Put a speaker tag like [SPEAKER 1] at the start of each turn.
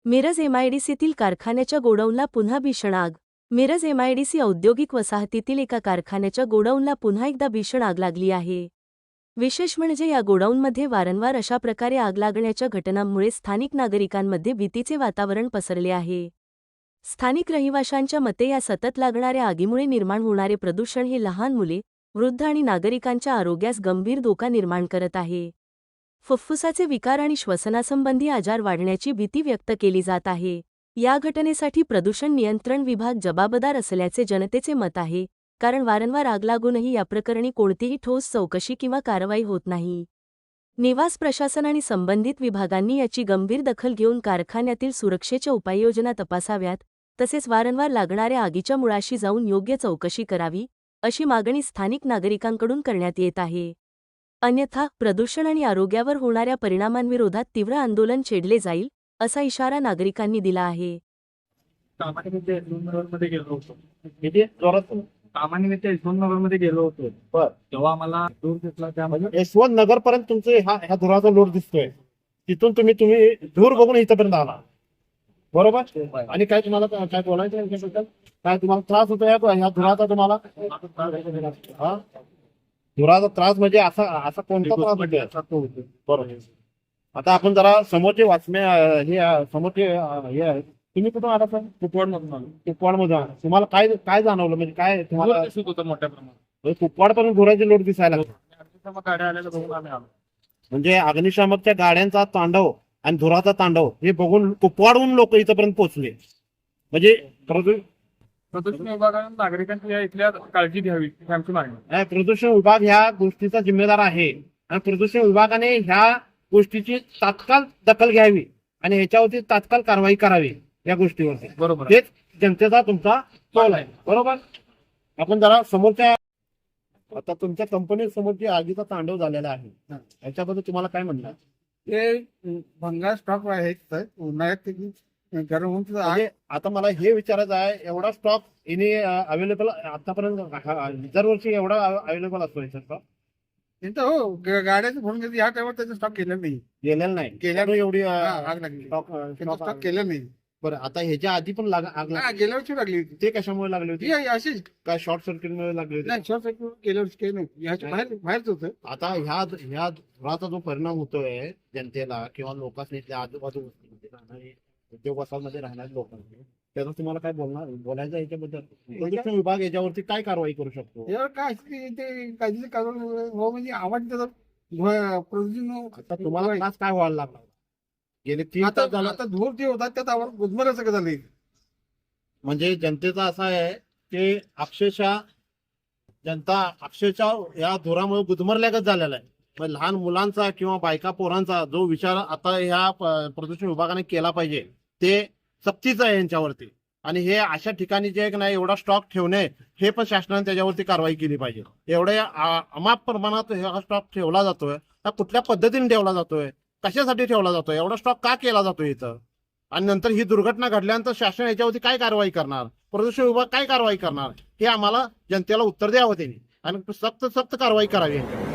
[SPEAKER 1] मिरज एमआयडीसीतील कारखान्याच्या गोडाऊनला पुन्हा भीषण आग. मिरज एमआयडीसी औद्योगिक वसाहतीतील एका कारखान्याच्या गोडाऊनला पुन्हा एकदा भीषण आग लागली आहे. विशेष म्हणजे या गोडाऊनमध्ये वारंवार अशा प्रकारे आग लागण्याच्या घटनांमुळे स्थानिक नागरिकांमध्ये भीतीचे वातावरण पसरले आहे. स्थानिक रहिवाशांच्या मते या सतत लागणाऱ्या आगीमुळे निर्माण होणारे प्रदूषण हे लहान मुले, वृद्ध आणि नागरिकांच्या आरोग्यास गंभीर धोका निर्माण करत आहे. फुफ्फुसाचे विकार आणि श्वसनासंबंधी आजार वाढण्याची भीती व्यक्त केली जात आहे. या घटनेसाठी प्रदूषण नियंत्रण विभाग जबाबदार असल्याचे जनतेचे मत आहे, कारण वारंवार आग लागूनही या प्रकरणी कोणतीही ठोस चौकशी किंवा कारवाई होत नाही. निवास प्रशासन आणि संबंधित विभागांनी याची गंभीर दखल घेऊन कारखान्यातील सुरक्षेच्या उपाययोजना तपासाव्यात, तसेच वारंवार लागणाऱ्या आगीच्या मुळाशी जाऊन योग्य चौकशी करावी, अशी मागणी स्थानिक नागरिकांकडून करण्यात येत आहे. अन्यथा प्रदूषण आणि आरोग्यावर होणाऱ्या परिणामांविरोधात तीव्र आंदोलन छेडले जाईल, असा इशारा नागरिकांनी दिला आहे.
[SPEAKER 2] कामानिमित्त यशवंतनगरमध्ये गेलो होतो.
[SPEAKER 3] किती जोरात?
[SPEAKER 2] कामानिमित्त यशवंतनगरमध्ये गेलो होतो.
[SPEAKER 3] बर.
[SPEAKER 2] तेव्हा आम्हाला दूर दिसला, त्यामध्ये
[SPEAKER 3] यशवंत नगर पर्यंत तुमचे ह्या धुराचा लोड दिसतोय. तिथून तुम्ही धूर बघून इथपर्यंत आला, बरोबर? आणि काय तुम्हाला काय बोलायचं आहे याच्याबद्दल? काय तुम्हाला त्रास होतो ह्या धुराचा? तुम्हाला हा धुराचा त्रास म्हणजे असा कोणता त्रास होतो? बरोबर. आता आपण जरा समोरचे हे समोरचे हे आहे. तुम्ही कुठून आला सर?
[SPEAKER 2] कुपवाडमधून आलो.
[SPEAKER 3] कुपवाडमधून आला. तुम्हाला काय जाणवलं? म्हणजे काय तुम्हाला
[SPEAKER 2] धूर दिसत होतं मोठ्या प्रमाणात.
[SPEAKER 3] कुपवाड पर्यंत धुराचे लोड दिसायला लागले?
[SPEAKER 2] अग्निशामक गाड्या आलेल्या बघून आम्ही आलो.
[SPEAKER 3] म्हणजे अग्निशामकच्या गाड्यांचा तांडव आणि धुराचा तांडव हे बघून कुपवाडहून लोक इथपर्यंत पोहोचले. म्हणजे
[SPEAKER 2] प्रदूषण विभागाने नागरिकांची या इथल्या काळजी घ्यावी ही आमची मागणी आहे.
[SPEAKER 3] प्रदूषण विभाग ह्या गोष्टीचा जिम्मेदार आहे आणि प्रदूषण विभागाने ह्या गोष्टीची तात्काळ दखल घ्यावी आणि ह्याच्यावरती तात्काळ कारवाई करावी या गोष्टीवरती.
[SPEAKER 2] बरोबर.
[SPEAKER 3] तेच जनतेचा तुमचा कौल आहे, बरोबर? आपण जरा समोरच्या आता तुमच्या कंपनी समोर जे आगीचा तांडव झालेला आहे याच्याबद्दल तुम्हाला काय म्हणणार?
[SPEAKER 4] ते भंगार स्टॉक आहे तर उन्हाळ्यात गरम होऊन
[SPEAKER 3] म्हणजे आता मला हे विचारायचं आहे, एवढा स्टॉक इने अवेलेबल आतापर्यंत दरवर्षी एवढा अवेलेबल असतो याचा स्टॉक?
[SPEAKER 4] हो गाड्याचं फोन घेतली ह्या टायमात त्याचा स्टॉक केला नाही.
[SPEAKER 3] गेलेला नाही.
[SPEAKER 4] गेल्या
[SPEAKER 3] एवढी
[SPEAKER 4] आग लागली, स्टॉक केलं नाही.
[SPEAKER 3] बरं, आता ह्याच्या आधी पण आग लागली.
[SPEAKER 4] गेल्या वर्षी लागली होती.
[SPEAKER 3] ते कशामुळे लागली होती?
[SPEAKER 4] ती अशीच
[SPEAKER 3] काय शॉर्ट सर्किट मुळे लागली होती?
[SPEAKER 4] नाही, शॉर्ट सर्किट गेल्या वर्षी काही नाही. ह्याच्या बाहेरच होतं.
[SPEAKER 3] आता ह्या धुराचा जो परिणाम होतोय जनतेला किंवा लोकांनी आजूबाजू वस्तीमध्ये राहणारे उद्योग वसाहतमध्ये राहणाऱ्या लोकांनी, त्याचं तुम्हाला काय बोलायचं याच्याबद्दल? प्रदूषण विभाग याच्यावरती काय कारवाई करू शकतो?
[SPEAKER 4] यावर काय असते ते काळजी करून हो म्हणजे आवाज त्याचा प्रदूषण.
[SPEAKER 3] आता तुम्हाला त्रास काय व्हायला लागला? गेले 3 तास झालं.
[SPEAKER 4] आता धूर जे होता त्यात आवाज गुदमरायचं सगळं झाले.
[SPEAKER 3] म्हणजे जनतेचा असा आहे की जनता या धुरामुळे गुदमरल्यागत झालेला आहे. म्हणजे लहान मुलांचा किंवा बायका पोरांचा जो विचार आता ह्या प्रदूषण विभागाने केला पाहिजे ते सक्तीचं आहे यांच्यावरती. आणि हे अशा ठिकाणी जे नाही एवढा स्टॉक ठेवणे हे पण शासनाने त्याच्यावरती कारवाई केली पाहिजे. एवढ्या अमाप प्रमाणात हा स्टॉक ठेवला जातोय, हा कुठल्या पद्धतीने ठेवला जातोय, कशासाठी ठेवला जातोय, एवढा स्टॉक का केला जातोय इथं? आणि नंतर ही दुर्घटना घडल्यानंतर शासन याच्यावरती काय कारवाई करणार, प्रदूषण विभाग काय कारवाई करणार, हे आम्हाला जनतेला उत्तर द्यावं त्यांनी आणि सक्त कारवाई करावी.